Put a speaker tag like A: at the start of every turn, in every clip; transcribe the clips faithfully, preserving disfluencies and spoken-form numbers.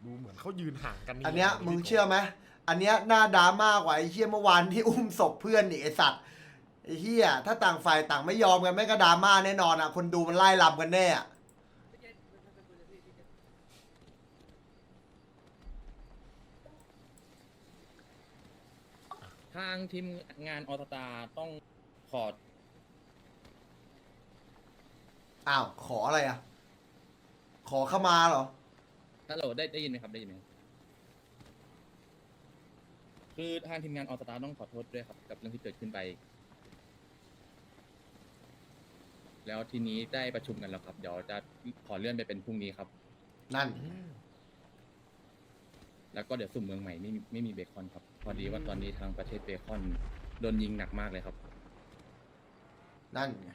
A: ดูเหมือนเขายืนห่างกัน
B: อันเนี้ยมึงเชื่อไหมอันเนี้ยหน้าดราม่ากว่าไอ้เหี้ยเมื่อวานที่อุ้มศพเพื่อนอีกไอ้สัตว์ไอ้เหี้ยถ้าต่างฝ่ายต่างไม่ยอมกันแม่งก็ดราม่าแน่นอนอ่ะคนดูมันไล่ลำกันแน่อะ
C: ทางทีมงานออสตาต้องขอ
B: อ้าวขออะไรอ่ะขอเข้ามาเหรอ
C: ฮัลโหลได้ได้ยินไหมครับได้ยินไหมคือทางทีมงานออสตาต้องขอโทษด้วยครับกับเรื่องที่เกิดขึ้นไป แล้วทีนี้ได้ประชุมกันแล้วครับเดี๋ยวจะขอเลื่อนไปเป็นพรุ่งนี้ครับ
B: นั่น
C: แล้วก็เดี๋ยวสุ่มเมืองใหม่ไม่มีไม่มีเบคอนครับพอดีว่าตอนนี้ทางประเทศเบคอนโดนยิงหนักมากเลยครับ
B: นั่นไง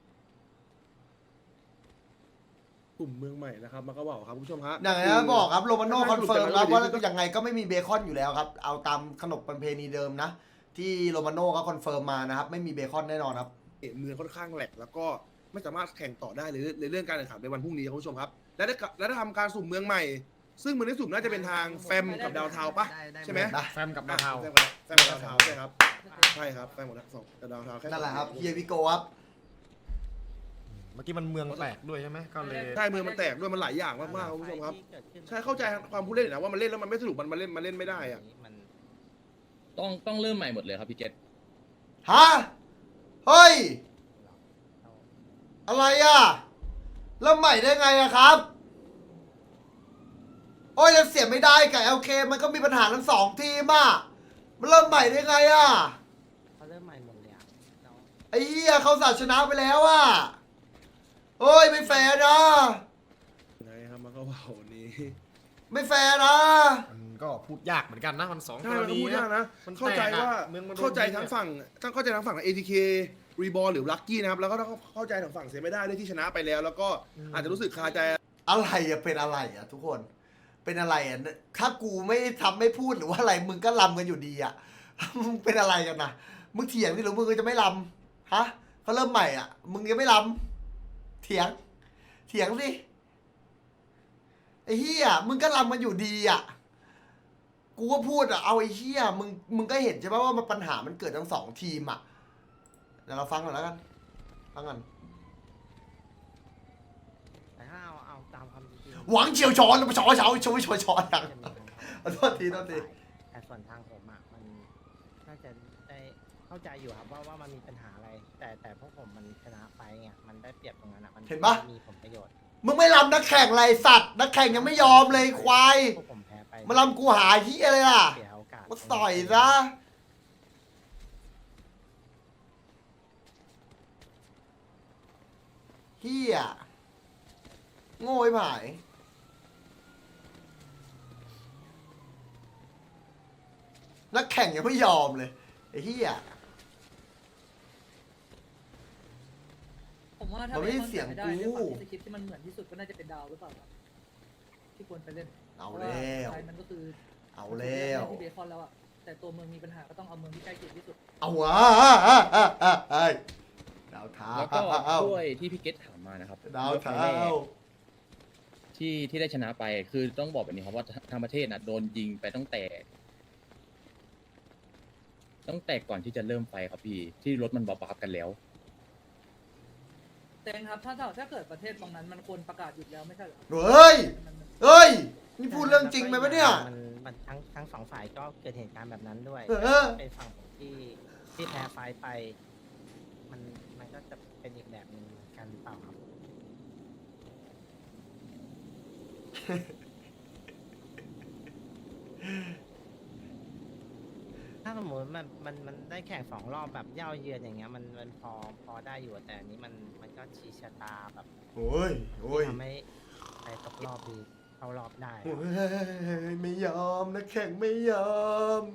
D: กลุ่มเมืองใหม่นะครับมันก็บอกครับคุณผู้ชมฮะ
B: อย่างที่บอกครับโรมาโน่คอนเฟิร์มครับว่ายังไงก็ไม่มีเบคอนอยู่แล้วครับเอาตามขนบประเพณีเดิมนะที่โรมาโน่ก็คอนเฟิร์มมานะครับไม่มีเบคอนแน่นอนครับ
D: เมืองค่อนข้างแหลกแล้วก็ไม่สามารถแข่งต่อได้เลยในเรื่องการแข่งขันในวันพรุ่งนี้ครับคุณผู้ชมครับและได้และได้ทำการสุ่มเมืองใหม่ ซึ่งเมืองที่สุ่มน่าจะเป็นทางแฟมกับดาวเทาปะใช่ไหม
B: นะ
A: แฟมกับดาวเทา
D: แฟมกับแฟมกับดาวเทาใช่ครับใช่ครับแฟมกับสองกับดาวเทาแค่
B: นั่นแหละครับเฮียวิโกครับ
A: เมื่อกี้มันเมืองแตกด้วยใช่ไหมก็เลย
D: ใช่เมืองมันแตกด้วยมันหลายอย่างมากๆครับคุณผู้ชมครับใช่เข้าใจความผู้เล่นนะว่ามันเล่นแล้วมันไม่สนุกมันมาเล่นมาเล่นไม่ได้อะ
C: ต้องต้องเริ่มใหม่หมดเลยครับพี่เกต
B: ฮะเฮ้ยอะไรอ่ะเริ่มใหม่ได้ไงอะครับโอ้ยยังเสียไม่ได้กับ แอล เค มันก็มีปัญหาทั้งสองทีมอ่ะมันเริ่มใหม่ได้ไงอ่ะ
E: เขาเริ่มใหม่หมดเลยอ่ะน้อง
B: ไอ้เหี้ยเขาสาดชนะไปแล้วอ่ะเฮ้ยไม่แฟร์นะ
D: ไงครับมันก็ว่าวันนี้
B: ไม่แฟร์นะ
A: มันก็พูดยากเหมือนกันนะมันสอง
D: ใช่
A: กร
D: มันก็
A: ณี
D: พูดยากนะ
A: มัน
D: เข้าใจว่า
A: แตกอะเมืองมันโดน
D: เข้าใจ
A: ยิงอะ
D: ทั้งฝั่งทั้งเข้าใจทั้งฝั่ง เอ ที เค รีบอลหรือลักกี้นะครับแล้วก็ต้องเข้าใจทางฝั่งเสียไม่ได้ด้วยที่ชนะไปแล้ว แล้วก็อาจจะรู้สึกคาใจ
B: อะไรอะเป็นอะไรอะทุกคน เป็นอะไรอะถ้ากูไม่ทำไม่พูดหรือว่าอะไรมึงก็ลำกันอยู่ดีอะมึงเป็นอะไรกันนะมึงเถียงที่หรือมึงจะไม่ลำฮะเขาเริ่มใหม่อะมึงยังไม่ลำเถียง เถียงสิไอ้เหี้ยมึงก็ลำกันอยู่ดีอะกูก็พูดอะเอาไอ้เหี้ยมึงมึงก็เห็นใช่ไหมว่ามันปัญหามันเกิดทั้งสองทีมอะเดี๋ยวเราฟังก่อนแล้วกันฟังก่อน
E: แต่ถ้าเอาเอาตามความจริง
B: หวังเฉียวชอนแล้วมาชอเช้าชอชอชอนอย่าง
E: จะมีของเขา
B: โทษทีโทษที
E: แต่ส่วนทางผมอ่ะมันน่าจะได้เข้าใจอยู่ครับว่าว่ามันมีปัญหาอะไร แต่แต่พวกผมมันชนะไปไงมันได้เปรียบตรงนั้นอ่ะมันมีผลประโยชน์
B: มึงไม่ลำนักแข่งไรสัตว์นักแข่งยังไม่ยอมเลยควาย
E: พวกผมแพ้ไป
B: มาลำกูหาเฮียเลยล่ะ
E: เสียโอกาส
B: มาต่อยซะเฮียโง่ไอ้ผายนักแข่งยังไม่ยอมเลยไอ้เฮีย
F: ผมว่าถ้า
B: มันไม่ใช่เสียง
F: ไม่ได้
B: กู
F: ด้วยความที่สคริปต์ที่มันเหมือนที่สุดก็น่าจะเป็นดาวหรือเปล่าครับที่ควรไปเล่น
B: เอาแล้ว
F: เพราะาสุดท้ายมันก็คือ
B: เอาแล้ว
F: ที่เบคอนแล้วอะแต่ตัวเมืองมีปัญหาก็ต้องเอาเมืองที่ใกล้เคียงที่สุด
B: เอาวะไอ้ดาวเท้า
C: แล้วก็ด้วยที่พี่เกตถามมานะครับ
B: ดาวเท้า
C: ที่ที่ได้ชนะไปคือต้องบอกแบบนี้ครับว่าทางประเทศนะโดนยิงไปตั้งแต่ ตั้งแต่ก่อนที่จะเริ่มไฟครับพี่ที่รถมันบับบับกันแล้ว
F: แต่ครับถ้าถ้าถ้าเกิดประเทศตรงนั้นมันควรประกาศหยุดแล้วไม่ใช่เหรอ
B: เฮ้ย
F: มันมัน
B: เฮ้ย นี่พูดเรื่องจริงไหมวะเนี่ย
E: มันมันทั้งทั้งสองฝ่ายก็เกิดเหตุการณ์แบบนั้นด้วย
B: เออ
E: เป็นฝั่งผมที่ที่แพ้ไฟล์ไป มันมันก็จะเป็นอีกแบบหนึ่งเหมือนกันหรือเปล่าครับ ถ้าสมมติมันมันมันได้แข่งสองรอบแบบเย่าเยือนอย่างเงี้ยมันมันพอพอได้อยู่แต่อันนี้มันมันก็ชี้ชะตาแบบ
B: โอ้ยโอ้ย
E: ทำให้ไปตกรอบดีเข้ารอบได้
B: โอ้ยไม่ยอมนะแข่งไม่ยอม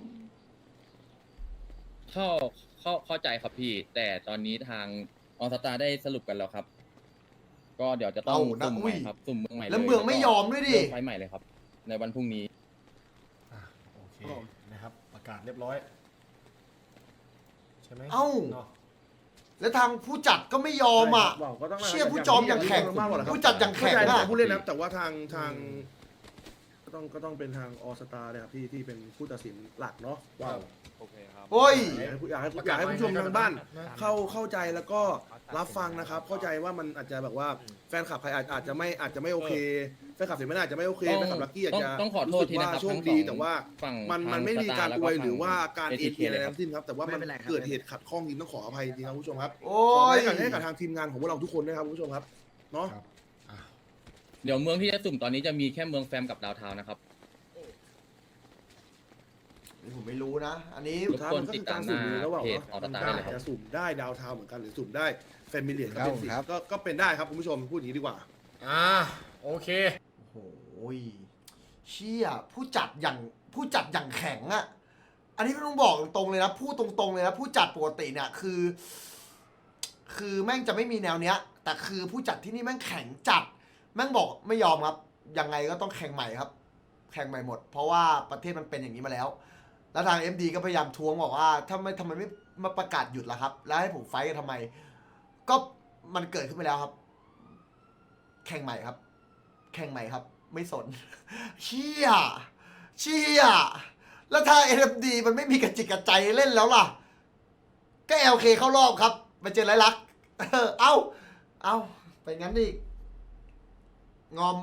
C: เข้าเข้าเข้าใจครับพี่ แต่ตอนนี้ทางออสตาได้สรุปกันแล้วครับ ก็เดี๋ยวจะต้อง
B: เอานะ
C: สุ่มให
B: อุ้
C: ม่
B: ย
C: ครับสุ่มเมืองใหม่เลย
B: แล้วเมืองไม่ยอมด้วยดิ
C: เริ่มไฟล์ใหม่เลยครับ ในวันพรุ่งนี้
A: อ่ะโอเคนะครับประกาศเรียบร้อยใช่ไหม
B: เอ้า
A: เนาะ
B: แล้วทางผู้จัดก็ไม่ยอมอ่ะ
D: บอกก็ต้อง
B: เชี่ยผู้จอมอย่างแข่ง
D: มากกว่าครับ
B: ผู้จัดอย่างแข่ง
D: เข้าใจ
B: อะ
D: ทางผู้เล่นนะครับแต่ว่าทางทางก็ต้องก็ต้องเป็นทางออสตาเลยครับที่ที่เป็นผู้ตัดสินหลักเนาะว้าว
C: โอเคครับ
B: โอ้ย
D: อยากให้อยากให้อยากให้ผู้ชมทางบ้าน เข้าเข้าใจแล้วก็รับฟังนะครับ เข้าใจว่ามันอาจจะแบบว่าแฟนคลับใครอาจอาจจะไม่อาจจะไม่โอเคแฟนคลับเสียไม่น่าอาจจะไม่โอเค
C: ต้อง
D: แฟนคลับลักกี้อาจจะ
C: ต้องขอโทษทีนะครับ
D: รู้สึกว่าโชค
C: ทั้งส
D: ดี
C: อง
D: แต่ว่า
C: ฝั่ง
D: มัน
C: ทาง
D: มันไม่มีการ
C: สตาร์
D: อวย
C: แล้วก็
D: หรือว่าการ
C: ฝั่ง
D: เอ็นเออะไร
C: เอทีเค
D: ทั้งสิ้นครับแต่ว่ามัน
E: ไม่เป็นไรครับ
D: เกิดเหตุขัดข้องจริงต้องขออภัยจริงครับคุณผู้ชมครับ
B: โอ้
D: ขออภั
B: ย
D: ยกันให้กับทางทีมงานของพวกเราทุกคนด้วยครับคุณผู้ชมครับเนาะ
A: ครับอ่ะ
C: เดี๋ยวเมืองที่จะสุ่มตอนนี้จะมีแค่เมืองแฟมกับดาวเทาวน์นะครับ
B: ผมไม่รู้นะ อันนี้
C: รบกวนติดตามหน้าเพจออสตาได้เลยครับ
D: จะสุ่มได้ดาวเทาเหมือนกันหรือสุ่มได้แฟมิเลีย
A: ครับ
D: เป็นสิก็ก็เป็นได้ครับคุณผู้ชมพูดอย่างนี้ดีกว่า
A: อ่าโอเค
B: โอ้โหเชี่ยผู้จัดอย่างผู้จัดอย่างแข็งอะอันนี้ก็ต้องบอกตรงๆเลยนะพูดตรงๆเลยนะผู้จัดปกติเนี่ยคือ คือแม่งจะไม่มีแนวเนี้ย แต่คือผู้จัดที่นี่แม่งแข็งจัด แม่งบอกไม่ยอมครับยังไงก็ต้องแข่งใหม่ครับ แข่งใหม่หมด เพราะว่าประเทศมันเป็นอย่างนี้มาแล้ว แล้วทาง เอ็ม ดี ก็พยายามทวงบอกว่าถ้าไม่ทำไมไม่มาประกาศหยุดล่ะครับ แล้วให้ผมไฟท์กันทำไม ก็มันเกิดขึ้นไปแล้วครับ แข่งใหม่ครับ แข่งใหม่ครับ ไม่สน เชี่ยเชี่ยแล้วถ้า เอ็ม ดี มันไม่มีกระจิกกระใจเล่นแล้วล่ะ ก็ แอล เค เข้ารอบครับมาเจอไรลักษณ์ เออเอ้า เอ้าไปงั้นอีกงอม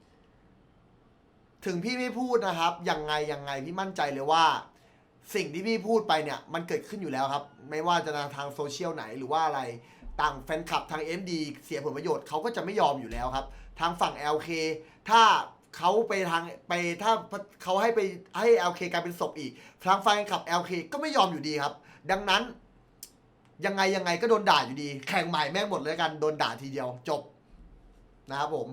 B: ถึงพี่ไม่พูดนะครับ ยังไงยังไงพี่มั่นใจเลยว่า สิ่งที่พี่พูดไปเนี่ย มันเกิดขึ้นอยู่แล้วครับ ไม่ว่าจะทางโซเชียลไหนหรือว่าอะไร ต่างแฟนคลับทาง เอ็ม ดี เสียผลประโยชน์เขาก็จะไม่ยอมอยู่แล้วครับ ทางฝั่ง แอล เค ถ้าเขาไปทางไปถ้าเขาให้ไปให้ แอล เค กลายเป็นศพอีก ทางแฟนคลับ แอล เค ก็ไม่ยอมอยู่ดีครับ ดังนั้น ยังไงยังไงก็โดนด่าอยู่ดี แข่งใหม่แม่งหมดเลยกันโดนด่าทีเดียวจบนะครับผม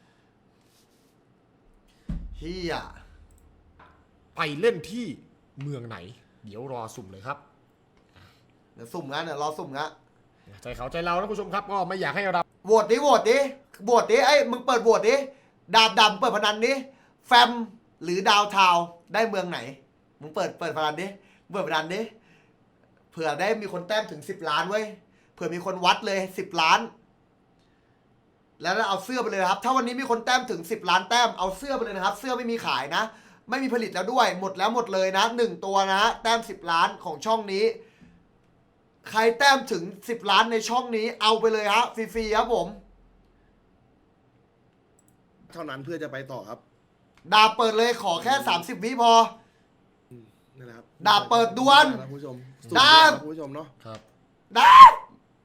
B: เฮีย
A: ไปเล่นที่เมืองไหน เดี๋ยวรอสุ่มเลยครับ
B: เดี๋ยวสุ่มงั้นเดี๋ยวรอสุ่มงั้น
A: ใจเขาใจเรานะผู้ชมครับก็ไม่อยากให้เรา
B: โหวตดิโหวตดิโหวตดิไอ้ยมึงเปิดโหวตดิดาบดำเปิดพนันดิแฟมหรือดาวทาวน์ได้เมืองไหนมึงเปิดเปิดพนันดิเปิดพนันดิเผื่อได้มีคนแต้มถึงสิบล้านเว้ยเผื่อมีคนวัดเลยสิบล้าน แล้วเอาเสื้อไปเลยนะครับ ถ้าวันนี้มีคนแต้มถึงสิบล้านแต้มเอาเสื้อไปเลยนะครับ เสื้อไม่มีขายนะ ไม่มีผลิตแล้วด้วยหมดแล้วหมดเลยนะหนึ่งตัวนะแต้มสิบล้านของช่องนี้ ใครแต้มถึงสิบล้านในช่องนี้เอาไปเลยฮะฟรีๆครับผม
D: เท่านั้นเพื่อจะไปต่อครับ
B: ดาบเปิดเลยขอแค่สามสิบวิพอ
D: นั่นแหละครับ
B: ดาบเปิดดวน
D: คุณผู้ชม
B: ดาบ
D: คุณผู้ชมเนาะ
A: ครับ
B: ดาบ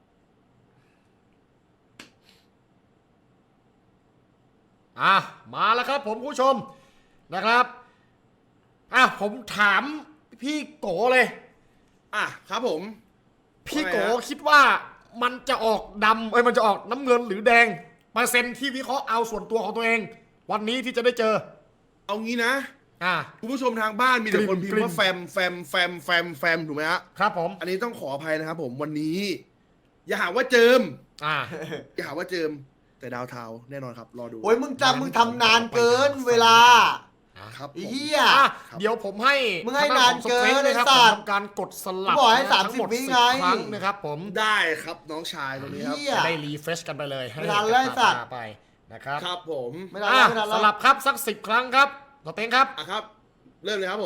A: อ่ะมาแล้วครับผมผู้ชมนะครับอ่ะผมถามพี่โกเลย
D: อ่ะครับผม
A: พี่โก
D: ว่าไงฮะ
A: คิดว่ามันจะออกดำเอ้ยมันจะออกน้ำเงินหรือแดงเปอร์เซ็นต์ที่วิเคราะห์เอาส่วนตัวของตัวเอง วันนี้ที่จะได้เจอ
D: เอางี้นะ
A: อ่ะ
D: คุณผู้ชมทางบ้านมีแต่คนพิม
A: กลิ่
D: พ์
A: น
D: ว่าแฟมแฟมแฟมแฟมแฟมถูกไหมฮะ
A: ครับผม
D: อันนี้ต้องขออภัยนะครับผมวันนี้ อย่าหาว่าเจิม
A: อ่ะ
D: อย่าหาว่าเจิม แต่ดาวเทาแน่นอนครับ รอดู
B: โอ้ยมึงจำมึงทำนานเกินเวลา
D: ครับผม
B: ไอ้เหี้ย
A: อ่ะ
D: ครับ
A: เดี๋ยวผมให้
B: มึงให้
A: ทด้
B: นาน
A: ของ
B: เกิน
A: Strength นะครับ
B: ไอ้สั
A: ผม
B: ตว์
A: ทำการกดสลับ
B: กูบอกให้
A: นะ
B: สามสิบ
A: ทั้งหด
B: วิ
A: สิบ
B: ไง
A: ครั้งนะครับผม
D: ได้ครับน้องชายตรงนี้ครับ
B: เหี้ย
A: จะได้รีเฟรชกันไปเลยให้
B: ไม่ทันแล้วไอ้สัตว์
A: ไปนะครับ
D: ครับผม
B: ไม่ทัน
A: อ่ะ
B: แล้วไม่ทัน
A: ส
B: แล้ว
A: ลับครับสักสิบครั้งครับต่อเต็งครับ
D: อ่ะครับ เริ่มเลยครับผม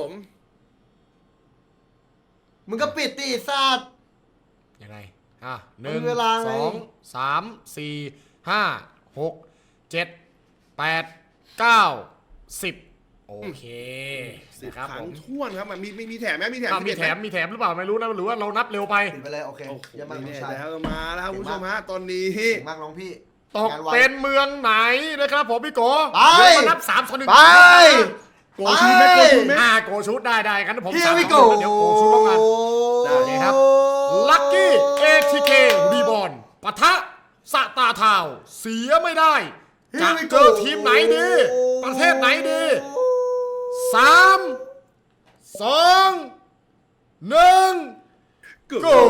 B: มึงก็ปิดตีซาด
A: ยังไง อ่ะห
B: มัน
A: นึ่ง
B: เวลาไง
A: สองสามสี่ห้าหกเจ็ดแปดเก้าสิบโอเค
D: สิบ
A: นะครับ
D: ครั้
A: ผ
D: ง
A: ม
D: ท้วนครับมันมีมีมีแถมไหมมีแถม
A: อ่ะมี
D: สิบ
A: แถ
D: เอ็ด
A: ม
D: ไห
A: มีแถมหรือเปล่าไม่รู้นะหรือว่าเรานับเร็วไป
B: ปิดไปเลยโอเค
D: โอ้โห
B: เยังมากน้อง
D: นี่
B: ชาย
D: แล้วมาแล้วครับ
B: เก่
D: คุณ
B: ง
D: ผู้
B: มาก
D: ชมฮะตอนนี้
B: เก่งมากน้องพี่
A: ตก
B: งานไว
A: เป็นเมืองไหนนะครับผมพี่โก
B: ไป
A: เดี๋ยวมานับสามสองหนึ่ง
B: ไป
D: โกชูไหมโกชูไหม
A: อ่าโกชุดได้ได้งั้นผม
B: Here
A: สาม
B: we
A: สองหนึ่ง
B: go
A: เดี๋ยวโกชุดแล้วกัน ได้เลยครับ ลัคกี้ เอ ที เค รีบอลปะทะสตาร์ทาวน์เสียไม่ได้ จะ
B: Here we
A: เจ
B: go
A: อทีมไหนดี ประเทศไหนดีสามสองหนึ่ง
D: โก
A: go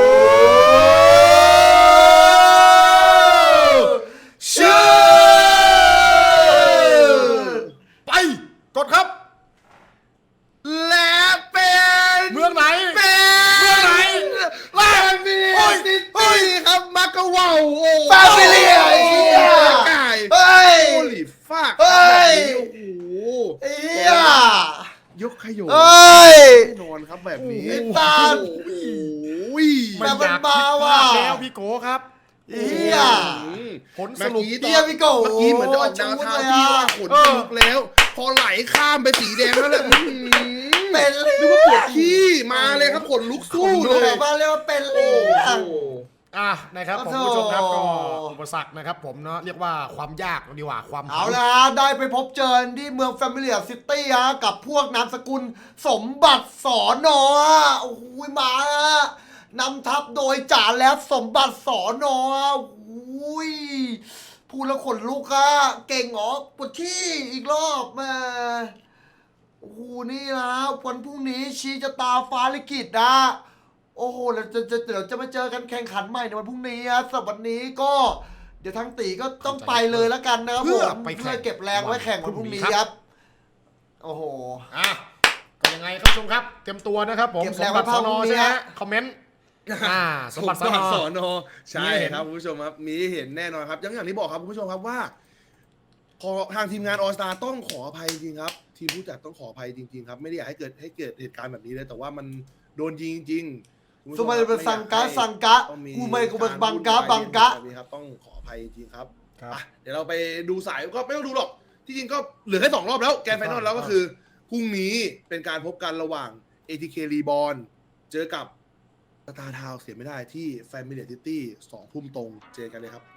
A: เชื่อไปกดครับ
D: และเป็น
A: เมืองไหน
D: เป็น
A: เมืองไหน
D: แลนด์มิ
A: โอ้ย
D: ซิตี้ครับมักกะวาวโอ้
B: ฟามิเลียไอ้เหี้ย
D: ไก่
B: เฮ้ย
D: โอลิฟาก
B: เฮ้ย
D: โอ้โห
B: ไอ้เหี้ย
D: ยกขยโย
B: เอ้ย
D: แน่นอนครับแบบนี้
B: ไอ้ตาล
D: โอ้ย
A: ไม่อยาก
B: แต่มัน
A: คิด
B: มา
A: ภา
B: ว่ะ
A: พแล้วพี่โกครับ
B: ไอ้เหี้ย
A: ผลสรุป
D: เมื่อกี้
B: เหี้ยพี่โก้
D: เมื่อกี้เหมือนจะออกดาวเทาที่ว่าขน
A: เออ
D: ลุกแล้ว พอไหลข้ามไปสีแดงแล้วแหละอื้อหือ
B: เป็นเลย
D: นึกว่าปวดขี้มาเลยครับขนลุกสู้
B: ดู
D: เล
B: แบ
D: ย
B: บว่าเรียกว่าเป็นเล
D: โอ้
B: ย
D: โห
A: อ่ะนะครับผม
B: โอ้โห
A: ผู้ชมครับก็อุปสรรคนะครับผมเนาะเรียกว่าความยากดีกว่าความ
B: เอาละฮะได้ไปพบเจอที่เมืองแฟมิเลียซิตี้ฮะกับพวกนามสกุลสมบัติสอนอฮะโอ้โหมาฮะนำทัพโดยจ่าแล้วสมบัติสอนอฮะโอ้ยพูดแล้วขนลุกอะเก่งเหรอปวดที่อีกรอบมาโอ้โหนี่นะวันพรุ่งนี้ชีจะตาฟ้าลิขิตนะโอ้โหเดี๋ยวจะจะเดี๋ยวจะมาเจอกันแข่งขันใหม่ในวันพรุ่งนี้ฮะสำหรับวันนี้ก็เดี๋ยวทางตีก็ต้องไปเลยแล้วกันนะครับ
A: เพื่อ
B: ผม
A: ไปแข่ง
B: เพื่อเก็บแรงไว้แข่งวันพรุ่งนี้ครับ โอ้โห
A: อ่ะก็ยังไงครับผู้ชมครับ เตรียมตัวนะครับผม
B: เก็บ
A: ส
B: แร
A: ม
B: ง
A: บัติ
B: ไว้
A: ส
B: ภา
A: อ
B: คน พรุ่
A: อง
B: นี้
A: ใช่ไหม
B: ฮะ
A: คอมเมนต์อ่าสมบัติส
D: ส
A: อน
D: บั
A: อ
D: ติสอนอใช่
A: มีให้เห็น
D: ครับคุณผู้ชมครับมีให้เห็นแน่นอนครับอยังอย่างที่บอกครับคุณผู้ชมครับว่าขอทางทีมงานออสตาต้องขออภัยจริงๆครับ ทีมผู้จัดต้องขออภัยจริงๆครับไม่ได้อยากให้เกิดให้เกิดเหตุการณ์แบบนี้เลยแต่ว่ามันโดนยิงจริงๆคุณผู้ช
B: สมัย
D: ครับ
B: เป็นสังกะ
D: ไอยให้
B: สังกะ
D: ต้องมี
B: กูไม่กูเป็น
D: าร
B: บังกะ
D: วุ่นวาย
B: บังกะ
D: แบบนี้ครับต้องขออภัยจริงๆครับ
A: ครับ
D: อ่ะเดี๋ยวเราไปดูสายก็ไม่ต้องดูหรอก ที่จริงก็เหลือแค่สองรอบแล้วแกนไฟนอลแล้วก็คือพรุ่งนี้เป็นการพบกันระหว่าง เอ ที เค Reborn เจอกับสตาร์ทาวเสียไม่ได้ที่ Familiar City สองทุ่มตรงเจอกันเลยครับ